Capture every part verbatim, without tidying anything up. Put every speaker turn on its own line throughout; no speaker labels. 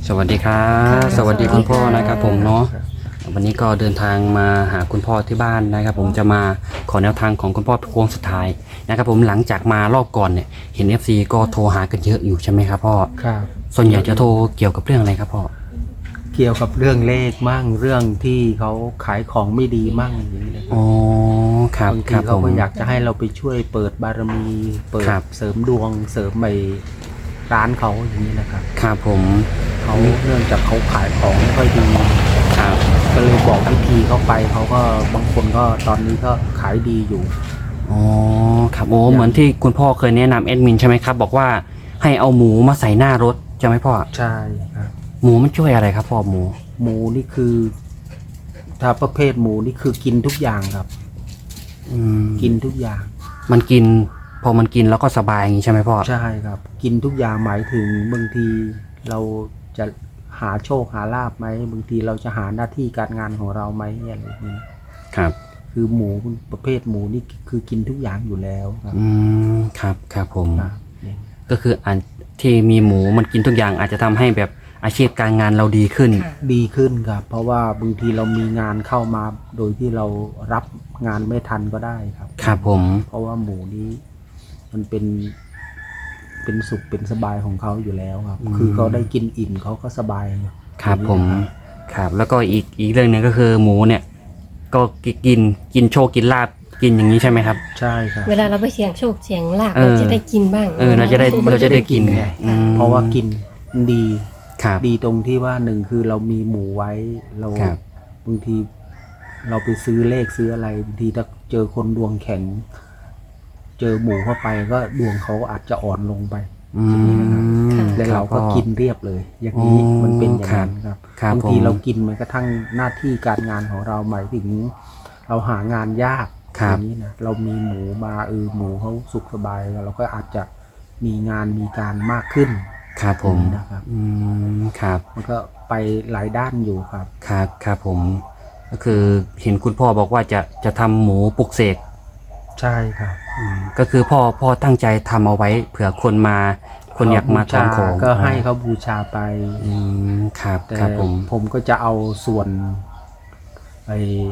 สวัสดีครับสวัสดีคุณพ่อนะครับผมเนาะวันนี้ก็เดินทางมาหาคุณพ่อที่บ้านนะครับผมจะมาขอแนวทางของคุณพ่อโค้งสุดท้ายนะครับผมหลังจากมารอบก่อนเนี่ยเห็น เอฟ ซี ก็โทรหากันเยอะอยู่ใช่ไหมครับพ่อ
ครับ
ส่วนใหญ่จะโทรเกี่ยวกับเรื่องอะไรครับพ่อ
เกี่ยวกับเรื่องเลขมั่งเรื่องที่เขาขายของไม่ดีมั่งอย่างนี้เลย
อ๋อครับ
บาง
ค
ที
รับผ
เขา
ม
ก็อยากจะให้เราไปช่วยเปิดบารมีเปิด
ครับ
เสริมดวงเสริมไปร้านเขาอย่างนี้นะครับ
ครับผม
เขาเนื่องจากเขาขายของไม่ค่อยดี
ครับ
ก็เลยบอกวิธีเขาไปเขาก็บางคนก็ตอนนี้ก็ขายดีอยู่
อ๋อครับโอ้เหมือนที่คุณพ่อเคยแนะนำแอดมินใช่ไหมครับบอกว่าให้เอาหมูมาใส่หน้ารถใช่ไหมพ่อ
ใช่ครับ
หมูมันช่วยอะไรครับพ่อหมู
หมูนี่คือถ้าประเภทหมูนี่คือกินทุกอย่างครับ
อืม
กินทุกอย่าง
มันกินพอมันกินแล้วก็สบายอย่างนี้ใช่ไหมพ่อ
ใช่ครับ กินทุกอย่างหมายถึงบางทีเราจะหาโชคหาลาภไหมบางทีเราจะหาหน้าที่การงานของเราไหมอะไรอย่างนี้
ครับ
คือหมูประเภทหมูนี่คือกินทุกอย่างอยู่แล้วครับ
อืมครับครับผม
ครับ
ก็คืออันที่มีหมูมันกินทุกอย่างอาจจะทำให้แบบอาชีพการงานเราดีขึ้น
ดีขึ้นครับเพราะว่าบางทีเรามีงานเข้ามาโดยที่เรารับงานไม่ทันก็ได้ครับ
ครับผม
เพราะว่าหมูนี้มันเป็นเป็นสุขเป็นสบายของเขาอยู่แล้วครับคือเขาได้กินอิ่มเขาก็สบาย
ครับผมครับแล้วก็อีกอีกเรื่องหนึ่งก็คือหมูเนี่ยก็กินกินโชคกินลาบกินอย่างนี้ใช่ไหมครับ
ใช่ครับ
เวลาเราไปเสี่ยงโชคเสี่ยงลาภเราจะได้กินบ้าง
เออเราจะได้เราจะได้กินไง
เพราะว่ากินดี
ครับ
ดีตรงที่ว่าหนึ่งคือเรามีหมูไว้เราบางทีเราไปซื้อเลขซื้ออะไรบางทีถ้าเจอคนดวงแข็งเจอหมูเข้าไปก็ดวงเขาอาจจะอ่อนลงไปแล้วเราก็กินเรียบเลย อย่างนี้มันเป็นอย่างนั้นครับบางทีเรากินมันกระทั่งหน้าที่การงานของเราหมายถึงเราหางานยากอย่างนี้นะเรามีหมูมาเออหมูเขาสุขสบายเราก็อาจจะมีงานมีการมากขึ้น
ครับผม
นะครับ
อืมครับ
มันก็ไปหลายด้านอยู่ครับ
ครับครับผมก็คือเห็นคุณพ่อบอกว่าจะจะทำหมูปลุกเสก
ใช่ครับ
ก็คือพ่อพ่อตั้งใจทำเอาไว้เผื่อคนมาคนอยากมาทานของ
ก็ให้เขาบูชาไป
อืมครับ
แต่
ครับผม
ผมก็จะเอาส่วนไอ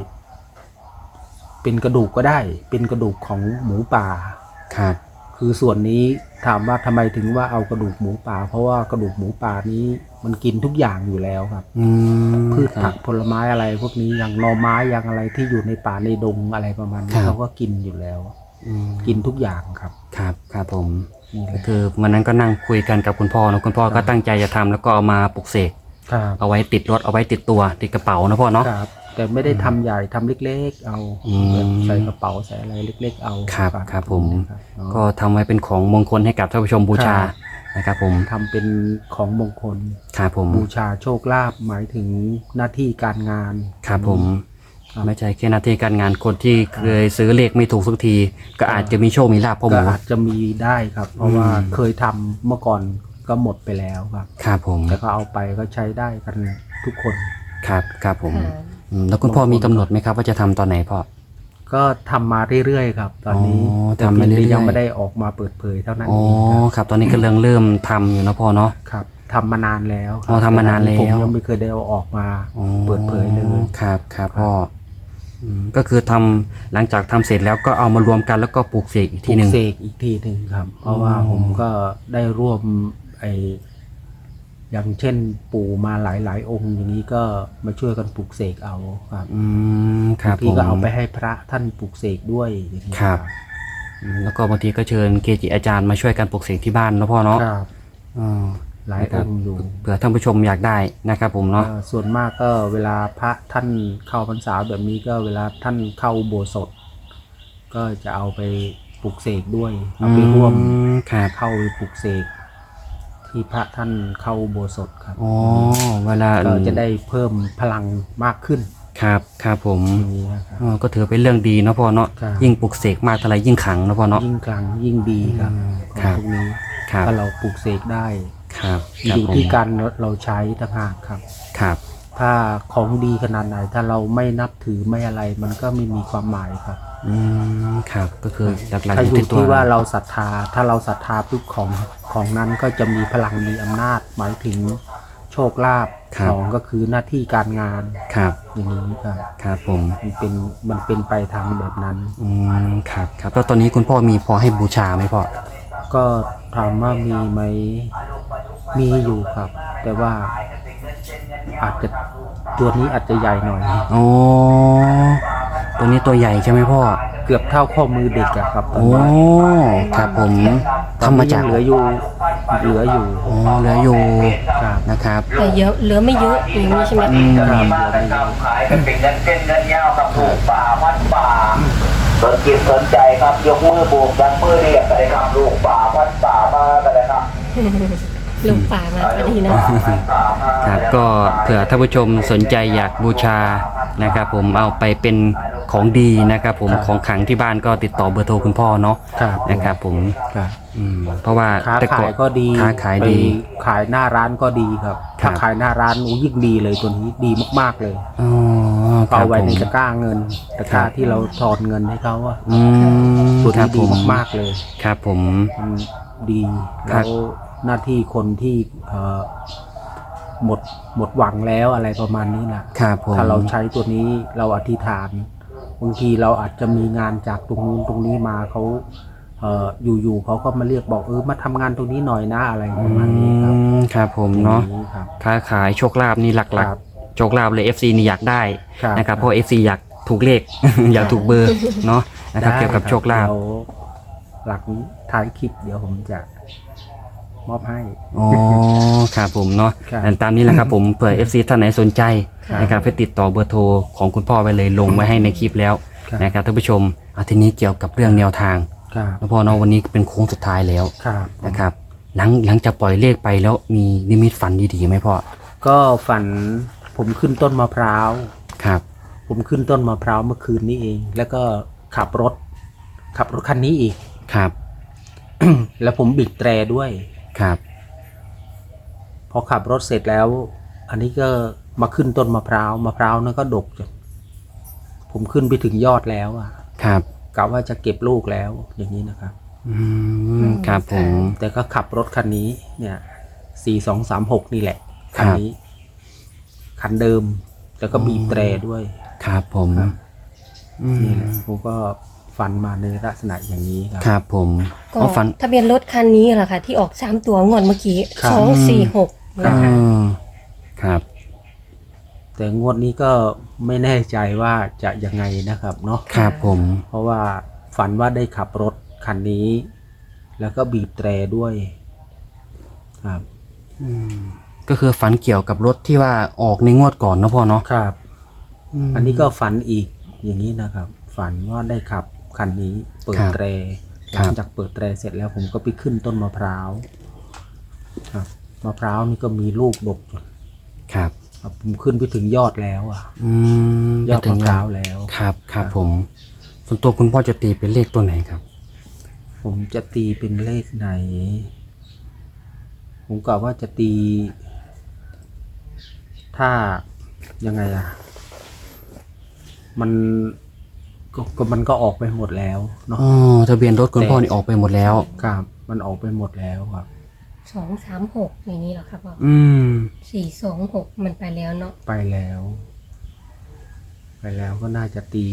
เป็นกระดูกก็ได้เป็นกระดูกของหมูป่า
ครับ
คือส่วนนี้ถามว่าทำไมถึงว่าเอากระดูกหมูป่าเพราะว่ากระดูกหมูป่านี้มันกินทุกอย่างอยู่แล้วครับพืชผักผลไม้อะไรพวกนี้อย่างหน่อไม้อย่างอะไรที่อยู่ในป่าในดงอะไรประมาณนี้เขาก็กินอยู่แล้วกินทุกอย่างครับ
ครับครับผมก็คือวันนั้นก็นั่งคุยกันกับคุณพ่อนะคุณพ่อก็ตั้งใจจะทำแล้วก็เอามาปลุกเสกเอาไว้ติดรถเอาไว้ติดตัวติดกระเป๋านะพ่อเนาะ
แต่ไม่ได้ทำใหญ่ทำเล็กๆเอาใส่กระเป๋าใส่อะไรเล็กๆเอา
ครับครับผมก็ทำไว้เป็นของมงคลให้กับท่านผู้ชมบูชานะครับผม
ทำเป็นของมงคล
ครับผม
บูชาโชคลาภหมายถึงหน้าที่การงาน
ครับผมไม่ใช่แค่หน้าที่การงานคนที่เคยซื้อเลขไม่ถูกสักทีก็อาจจะมีโชคมีลาภพ่อหมู
ก็อาจจะมีได้ครับเพราะว่าเคยทำเมื่อก่อนก็หมดไปแล้วครับ
ครับผม
แต่ก็เอาไปก็ใช้ได้กันทุกคน
ครับครับผมแล้วคุณพ่อมีกำหนดไหมครับว่าจะทำตอนไหนพ่อ
ก็ทำมาเรื่อยๆครับตอนนี้
ทำมาเรื่อยๆ
ยังไม่ได้ออกมาเปิดเผยเท่านั้น
เองครับตอนนี้ก็เริ่มเริ่มทำอยู่นะพ่อเนาะ
ครับทำมานานแล้ว
อ๋อทำมานานแล้ว
ผมยังไม่เคยได้เอาออกมาเปิดเผยเลย
ครับครับพ่อก็คือทำหลังจากทำเสร็จแล้วก็เอามารวมกันแล้วก็ปลูกเสกอีกทีหนึ่ง
ปลูกเสกอีกทีหนึ่งครับเพราะว่าผมก็ได้ร่วมไออย่างเช่นปู่มาหลายๆองค์อย่างนี้ก็มาช่วยกันปลูกเสกเอาครับ
อืมครับ
ที่ก็เอาไปให้พระท่านปลูกเสกด้วย
ครับแล้วก็บางทีก็เชิญเกจิอาจารย์มาช่วยกันปลูกเสกที่บ้านนะพ่อเนาะ
ครับหลายองค์อยู่
เผื่อท่านผู้ชมอยากได้นะครับผมเนาะ
ส่วนมากก็เวลาพระท่านเข้าพรรษาแบบนี้ก็เวลาท่านเข้าอุโบสถก็จะเอาไปปลูกเสกด้วยเอาไปร่วมเข้าไปปลูกเสกที่พระท่านเข้าอุโบสถครับ
อ๋อเวลา
เราจะได้เพิ่มพลังมากขึ้น
ครับครับผมอ๋อก็ถือเป็นเรื่องดีเนาะพ่อเนาะยิ่งปลูกเสกมากเท่าไรยิ่งขลังเนาะพ่อเนาะ
ยิ่งขลังยิ่งดีครับ
ครับ
ตรงนี้ถ้าเราปลูกเสกได้
ครับ
อยู่ที่การเราใช้ต่างหากครับ
ครับ
ถ้าของดีขนาดไหนถ้าเราไม่นับถือไม่อะไรมันก็ไม่มีความหมายครับ
อืมครับก็คือหลักๆ
อยู่ที่ว่าเราศรัทธาถ้าเราศรัทธาปุ๊บของของนั้นก็จะมีพลังมีอำนาจหมายถึงโชโชคลาภ
ครับ
สองก็คือหน้าที่การงาน
ครับ
อย่างนี้ครับ
ครับผม
มันเป็นมันเป็นไปทางแบบนั้น
อืมครับครับแล้วตอนนี้คุณพ่อมีพอให้บูชาไหมพ่อ
ก็ถามว่ามีไหมมีอยู่ครับ แต่ว่าอาจจะตัวนี้อาจจะใหญ่หน่อย
อ๋อตัวนี้ตัวใหญ่ใช่ไหมพ่อ
เกือบเท่าข้อมือเด็กอะครับตอน
โอ้
นี้
ครับผม
ตอน
ทำมา
นี้
จาก
ยังเหลืออยู่เหลืออยู่
อ๋อเหลืออยู่
ครับ
นะครับ
แต่เยอะเหลือไม่เยอะอย่างนี้ใช่ไหม
อืม
ครับ
มาแต่ทำขายกันเป็นเงินเส้นเงินยาวกับลูกป่าวัดป่าสนจิตสนใจครับยกมือโบกยักมือเรียกกันเลยครับลูกป่าวัดป่ามากันเลยครับ
ลูกป่ามาพอดีเนาะ
ครับก็เผื่อท่านผู้ชมสนใจอยากบูชานะครับผมเอาไปเป็นของดีนะครับผม
ครับ
ของขลังที่บ้านก็ติดต่อเบอร์โทรคุณพ่อเนาะ
ครับ
นะครับผม
ครับ
อืมเพราะว่า
ค้า
แต่
ขายก็ดี
ค้าขายดี
ไปขายหน้าร้านก็ดีครับ
ครั
ถ้า
บ
ขายหน้าร้านโอ้ยิ่งดีเลยตัวนี้ดีมากๆเลย
อ๋อครั
เอา
บ
ไว้
ผม
ในตะกร้าเงินตะกร้าที่เราถอนเงินให้เขาอะ
อืม
ตัว
ครั
นี้
บ
ดี
ผม
มากๆเลย
ครับผม
มันดี
ครั
แล้
บ
วหน้าที่คนที่เอ่อหมดหมดหวังแล้วอะไรประมาณนี้นะครับ
ผม
ถ้าเราใช้ตัวนี้เราอธิษฐานบางทีเราอาจจะมีงานจากตรงนู้นตรงนี้มาเขาเอ่ออยู่ๆเขาก็มาเรียกบอกเออมาทำงานตรงนี้หน่อยนะอะไรประมาณนี้ครับ
อืมครับผมเนาะ
อย่งครับ
ค้าขายโชคลาภนี่หลัก
ครับ
ๆโชคลาภเลย เอฟ ซี นี่อยากได้
ครับ
นะครับเพราะ เอฟ ซี อยากถูกเลข อยากถูกเบอร์เนาะนะครับ
ได้
เกี่ยวกับโชคลาภ
เดี๋ยวหลังท้ายคลิปเดี๋ยวผมจะมอบให้
อ๋อครับผมเนาะ
ครับ
อันตามนี้แหละครับผมเผื่อ เอฟ ซี ท่านไหนสนใจ
ครับ
นะครับไปติดต่อเบอร์โทรของคุณพ่อไว้เลยลงไว้ให้ในคลิปแล้ว
ครับ
นะครับท่านผู้ชมอาทีนี้เกี่ยวกับเรื่องแนวทาง
ครับ
แล้วพ่อเนาะวันนี้เป็นโค้งสุดท้ายแล้ว
ครับ
นะครับหลังหลังจากปล่อยเลขไปแล้วมีนิมิตฝันดีๆไหมพ่อ
ก็ฝันผมขึ้นต้นมะพร้าว
ครับ
ผมขึ้นต้นมะพร้าวเมื่อคืนนี้เอง แล้วก็ขับรถ ขับรถคันนี้อีก
ครับ
แล้วผมบีบแตรด้วย
ครับ
พอขับรถเสร็จแล้ว อันนี้ก็มาขึ้นต้นมะพร้าวมะพร้าวนั่นก็ดกจนผมขึ้นไปถึงยอดแล้วอ่ะ
ครับ
กะว่าจะเก็บลูกแล้วอย่างนี้นะครับ
อืมครับผม
แต่ก็ขับรถคันนี้ เนี่ยสี่สองสามหกนี่แหละ คันนี้ คันเดิม แล้วก็บีบแตรด้วย
ครับผม
ครับ
อืม
นี่แหละผมก็ฝันมาในลักษณะอย่างนี้ครับ
ครับผม
ก็
อ๋อฝัน
ทะเบียนรถคันนี้แหละค่ะ ที่ออกสามตัวงวดเมื่อกี้
ครับ
สองสี่หก
ครับ
นะคะ
อืมครับ
แต่งวดนี้ก็ไม่แน่ใจว่าจะยังไงนะครับเนาะ
ครับผม
เพราะว่าฝันว่าได้ขับรถคันนี้ แล้วก็บีบแตรด้วย ครับ
อืมก็คือฝันเกี่ยวกับรถที่ว่าออกในงวดก่อนเนอะพ่อเนาะ
ครับ
ม
อันนี้ก็ฝันอีกอย่างนี้นะครับ ฝันว่าได้ขับคันนี้ เปิด
ครับ
แตร
ค
ห
รับ
ลังจากเปิดแตรเสร็จแล้วผมก็ไปขึ้นต้นมะพร้าวครับมะพร้าวนี่ก็มีลูกดกอยู่
ครับ
ครับผมขึ้นไปถึงยอดแล้วอ่ะ
อืม
ยอดมะพร้าวแล้ว
ครับครับผมส่วนตัวคุณพ่อจะตีเป็นเลขตัวไหนครับ
ผมจะตีเป็นเลขไหน ผมกะว่าจะตี ถ้ายังไงอ่ะ มันก็ก็มันก็ออกไปหมดแล้วเนาะ
อ๋อทะเบียนรถคุณพ่อนี่ออกไปหมดแล้ว
ครับมันออกไปหมดแล้วครับ
สองสามหกอย่างนี้เหรอครับพ่อ
อืม
สี่สองหกมันไปแล้วเนาะ
ไปแล้ว ไปแล้วก็น่าจะตี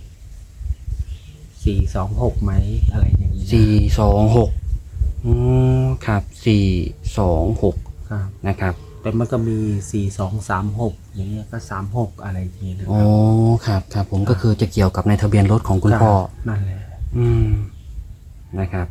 สี่สองหกไหมอะไรอย่างนี้นะ
สี่สองหกอืมครับสี่สองหก
ครับ
นะครับ
แต่มันก็มีสี่สองสามหกอย่างเงี้ยก็สามหกอะไรอย่างเงี้ยนะ
อ๋
ค
อ
รับ
ครับครับผมก็คือจะเกี่ยวกับในทะเบียนรถของคุณพ่อ
รับนั่นแหละ
อืมนะครับ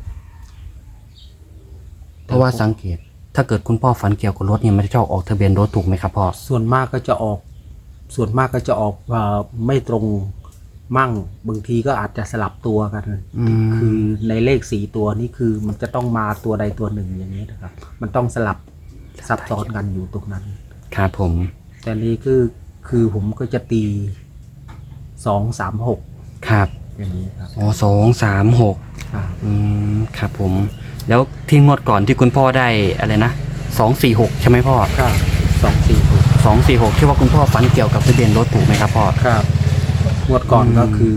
เพราะว่าสังเกต ถ้าเกิดคุณพ่อฝันเกี่ยวกับรถเนี่ยมันจะชอบออกทะเบียนรถถูกไหมครับพ่อ
ส่วนมากก็จะออก ส่วนมากก็จะออกเอ่อไม่ตรงมั่งบางทีก็อาจจะสลับตัวกัน
อืม
คือในเลขสี่ตัวนี้คือมันจะต้องมาตัวใดตัวหนึ่งอย่างนี้นะครับ มันต้องสลับซับซ้อนกันอยู่ตรงนั้น
ครับผม
แต่นี้คือคือผมก็จะตีสองสามหก
ครับ
อย่างนี้ครับ
อ๋อสองสามหก
ครับ
อืมครับผม แล้วที่งวดก่อนที่คุณพ่อได้อะไรนะสองสี่หกใช่ไหมพ่อ
ครับสองสี่หก
สองสี่หกที่ว่าคุณพ่อฝันเกี่ยวกับทะเบียนรถถูกไหมครับพ่อ
ครับงวดก่อน
อืม
ก็คือ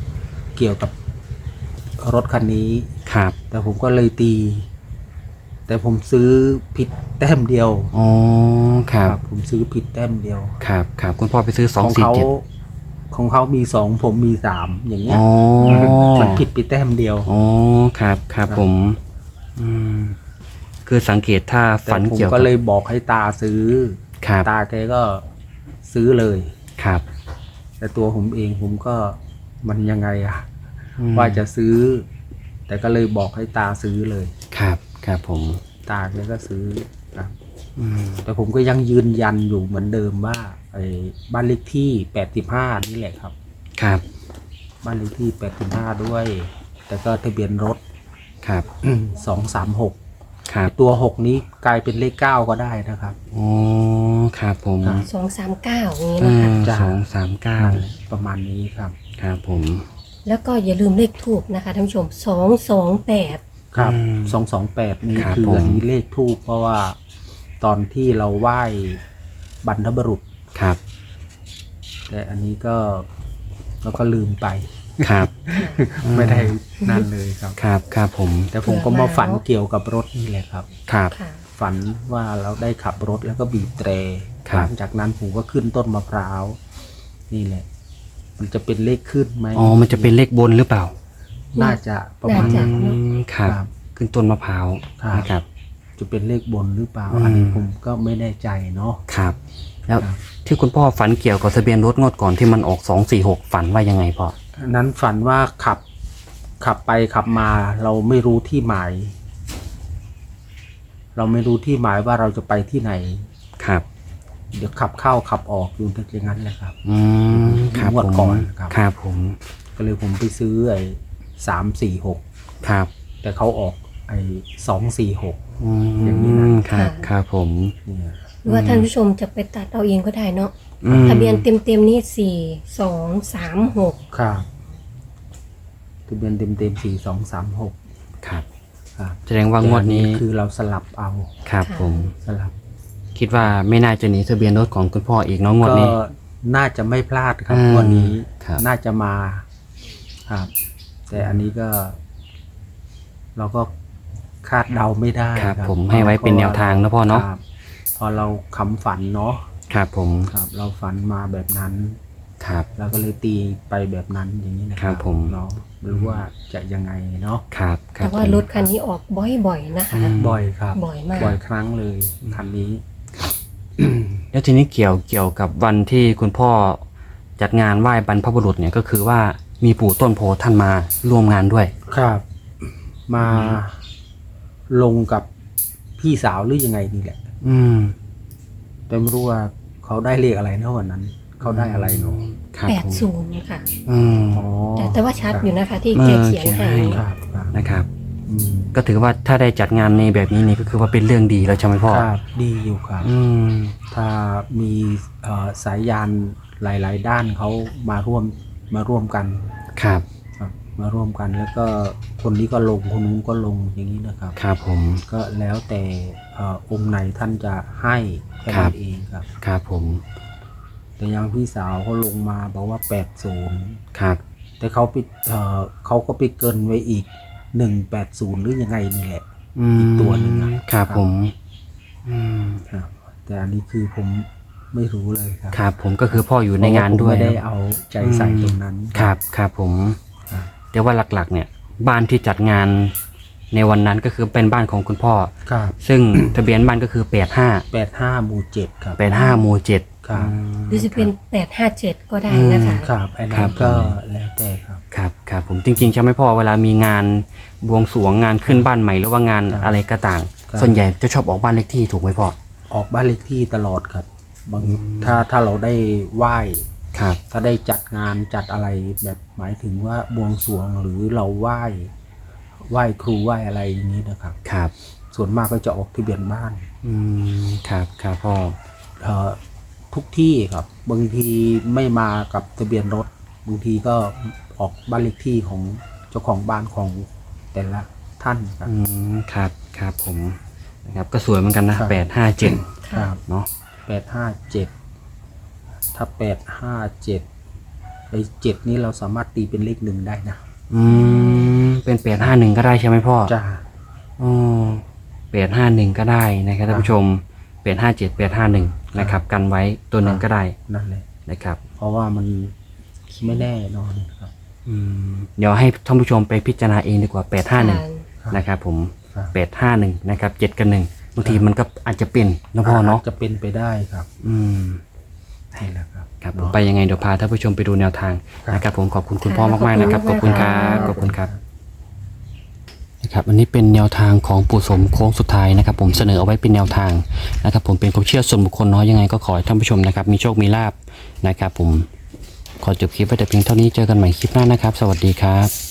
เกี่ยวกับรถคันนี้
ครับ
แต่ผมก็เลยตี แแต่ผมซื้อผิดแต้มเดียว
อ๋อครับ
ผมซื้อผิดแต้มเดียว
ครับครับคุณพ่อไปซื้อสอง
ของ
สี่
เขา
เจ็ด
ของเขามีสองผมมีสามอย่างเงี้ย
อ๋อ
มันผิดไปแต้มเดียว
อ๋อครับครับผม อืมคือสังเกตถ้า
แต่
ฝัน
ผม
เกี่ยว
ก็
กับ
เลยบอกให้ตาซื้อ
ครับ
ตาแกก็ซื้อเลย
ครับ
แต่ตัวผมเองผมก็มันยังไงอะ
อืม
ว่าจะซื้อ แต่ก็เลยบอกให้ตาซื้อเลย
ครับครับผม
ตาแกก็ซื้อครับ
อืม
แต่ผมก็ยังยืนยันอยู่เหมือนเดิมว่าไอ้บ้านเลขที่แปดสิบห้านี่แหละครับ
ครับ
บ้านเลขที่แปดสิบห้าด้วย แต่ก็ทะเบียนรถ
ครับ
สองสามหก
ครับ
ตัวหกนี้กลายเป็นเลขเก้าก็ได้นะครับ
อ๋อครับผม
ครับ
สองสามเก้าอย่างนี้
เอ
นะคะ
อ
จ้ะ
สองสามเก้า
ประมาณนี้ครับ
ครับผม
แล้วก็อย่าลืมเลขทูบนะคะท่านผู้ชมสองสองแปด
ครับ
อืม
สองสองแปดนี่
ครับ
คือ
ผม
อันนี้เลขทูปเพราะว่าตอนที่เราไหว้บรรพบุรุษ
ครับ
แต่อันนี้ก็เราก็ลืมไป
ครับ
ไม่ได้นั่นเลยครับ
ครับครับผม
แต่ผมก็มาฝันเกี่ยวกับรถนี่แหละครับ
ครับ
ค่ะ
ฝันว่าเราได้ขับรถแล้วก็บีบแตร
ครับ
หลังจากนั้นผมก็ขึ้นต้นมะพร้าว นี่แหละ มันจะเป็นเลขขึ้นไหม
อ๋อมันจะเป็นเลขบนหรือเปล่า
น่าจะประมาณ
น่าจะ
นั้น
อืมครับ
ครับ
ขึ้นต้นมะพร้าว
ครับ
นะครับ
จะเป็นเลขบนหรือเปล่า
อืม
อันนี้ผมก็ไม่แน่ใจเนาะ
ครับ แล้ว
ครับ
ที่คุณพ่อฝันเกี่ยวกับทะเบียนรถงวดก่อนที่มันออกสองสี่หกฝันว่ายังไงพ่อ
อันนั้นฝันว่าขับขับไปขับมา เราไม่รู้ที่หมาย เราไม่รู้ที่หมายว่าเราจะไปที่ไหน
ครับ
เดี๋ยวขับเข้าขับออกอยู่อย่างนั้นแหละครับ
อืมครับ
งวด
ผม
ก่อนครับ
ครับผม
ก็เลยผมไปซื้อไอ้สามสี่หก
ครับ
แต่เขาออกไอ้สองสี่หก
อื
อย่างนี้นะ
มครับครับผม
เนี่ย
หรือว่าท่านผู้ชมจะไปตัดเอาเองก็ได้เนาะ
อืม
ทะเบียนเต็มๆนี่สี่สองสามหก
ครับทะเบียนเต็มเต็มสี่สองสามหก
ครับ
ครับ
แสดงว่างวดนี้
แต่อัคือเราสลับเอา
ครับผม
สลับ
คิดว่าไม่น่าจะหนีทะเบียนรถของคุณพ่ออีกเน้องงวด
ก็
นี้
น่าจะไม่พลาดครับ
อืม
วันนี้
ครับ
น่าจะมาครับ แต่อันนี้ก็ เราก็คาดเดาไม่ได้
ครับผมให้ไว้เป็นแนวทางนะพ่อเนาะ
ครับพอเราคำฝันเนาะ
ครับผม
ครับ เราฝันมาแบบนั้น
ครับ
เราก็เลยตีไปแบบนั้นอย่างนี้นะค
ครั
รับบ
ผม
เนาะไม่รู้ว่าจะยังไงเนาะ
ครับครั
แต่
บ
ว่า
ผม
รถคันนี้ออกบ่อยๆนะคะ
อืม
บ่อยครับ
บ่อยมาก
บ่อยครั้งเลยคันนี้
แล้วทีนี้เกี่ยวเกี่ยวกับวันที่คุณพ่อจัดงานไหว้บรรพบุรุษเนี่ยก็คือว่ามีปู่ต้นโพท่านมาร่วมงานด้วย
ครับ มาลงกับพี่สาวหรือยังไงนี่แหละ
อืม
แต่ไม่รู้ว่าเขาได้เลขอะไรนะวันนั้น เขาได้อะไรเนาะ
ครับ
แปด
ผม
ศูนย์ค่ะ
อืม
อ๋อ
แต่แต่ว่าชัดอยู่นะคะ ที่
เออ
แกเขียน
เขียนให้
ให้
ครับครับ
นะครับ
อืม
ก็ถือว่าถ้าได้จัดงานในแบบนี้นี่ก็คือว่าเป็นเรื่องดีแล้วใช่ไหมพ่อ
ครับดีอยู่ครับ
อืม
ถ้ามีเอ่อสายยานหลาย ๆ ด้านเขามาร่วมมาร่วมกัน
ครับ
ครับ มาร่วมกันแล้วก็คนนี้ก็ลงคนนู้นก็ลงอย่างนี้นะครับ
ครับผม
ก็แล้วแต่เอ่อองค์ไหนท่านจะให้แค่
ครั
นั้
บ
นเองครับ
ครับผม
แต่อยังพี่สาวเขาลงมาบอกว่าแปดศูนย์
ครับ
แต่เขาไปเอ่อเขาก็ไปเกินไว้อีกหนึ่งแปดศูนย์หรือยังไงนี่แหละ
อืม
อีกตัวหนึ่งอะ
ครับผม อืม
ครับ แต่อันนี้คือผมไม่รู้เลยครับ
ครับผมก็คือพ่ออยู่ในงาน
เพระ
ด้วย
ผมไม่ได้เอาใจใส่ตรงนั้น
ครับครับผม
ครับ
แต่ว่าหลักๆ เนี่ย บ้านที่จัดงานในวันนั้นก็คือเป็นบ้านของคุณพ่อ
ครับ
ซึ่ง ทะเบียนบ้านก็คือแปดห้า
แปดห้าหมู่เจ็ดครับ
แปดห้าหมู่เจ็ด
ครับ
หรือจะเป็นแปดห้าเจ็ดก็ได้นะคะ
ครับอัน
ครั
นั้
บ
นก็แล้วแต่ครับ
ครับครับผมจริงๆใช่ไหมพ่อเวลามีงานบวงสรวงงานขึ้นบ้านใหม่หรือว่างาน
ครับ
อะไรก็ต่าง
ครับ
ส่วนใหญ่จะชอบออกบ้านเลขที่ถูกไหมพ่อ
ออกบ้านเลขที่ตลอดครับบางถ้าถ้าเราได้ไหว้
ครับ
ถ้าได้จัดงานจัดอะไรแบบหมายถึงว่าบวงสรวงหรือเราไหว้ไหว้ครูไหว้อะไรอย่างนี้นะครับ
ครับ
ส่วนมากก็จะออกทะเบียนบ้าน
อืมครับครับพ่อ
เอ่อทุกที่ครับ บางทีไม่มากับทะเบียนรถบางทีก็ออกบ้านเลขที่ของเจ้าของบ้านของแต่ละท่านครับ
อืมครับครับผมนะครับก็สวยเหมือนกันนะครับ แปดห้าเจ็ด
ครับ
เนาะ
แปดห้าเจ็ดถ้าแปดห้าเจ็ดไอ้เจ็ดนี้เราสามารถตีเป็นเลขหนึ่งได้นะ
อืมเป็นแปดห้าหนึ่งก็ได้ใช่ไหมพ่อ
จ้า
อ๋อแปดห้าหนึ่งก็ได้นะครับท่านผู้ชมแปดห้าเจ็ดแปดห้าหนึ่งนะครับกันไว้ตัวหนึ่งก็ได้
นั่นแหละ
นะครับ
เพราะว่ามันไม่แน่นอนครับ
อืมเดี๋ยวให้ท่านผู้ชมไปพิจารณาเองดีกว่าแปดห้าหนึ่ง
ครับ
นะครับผม
ครับ
แปดห้าหนึ่งนะครับเจ็ดกับหนึ่งบางทีมันก็อาจจะเป็นนะพ่อเนาะ
จจะเป็นไปได้ครับ
อืม
นี่แหละครับ
ครับผม
เนาะ
ไปยังไงเดี๋ยวพาท่านผู้ชมไปดูแนวทาง
ครับ
นะครับผมขอบคุณคุณ
ค่ะ
พ่อมากๆนะครับ
ข
ข
อ
อ
บบ คุ
คุณ ณ
ค
ค
รั
รับ บขอบคุณครับนะครับอันนี้เป็นแนวทางของปู่สมโค้งสุดท้ายนะครับ ผมเสนอเอาไว้เป็นแนวทางนะครับ ผมเป็นความเชื่อส่วนบุคคลเนาะยังไงก็ขอให้ท่านผู้ชมนะครับ มีโชคมีลาภนะครับ ผมขอจบคลิปไว้แต่เพียงเท่านี้เจอกันใหม่คลิปหน้านะครับ สวัสดีครับ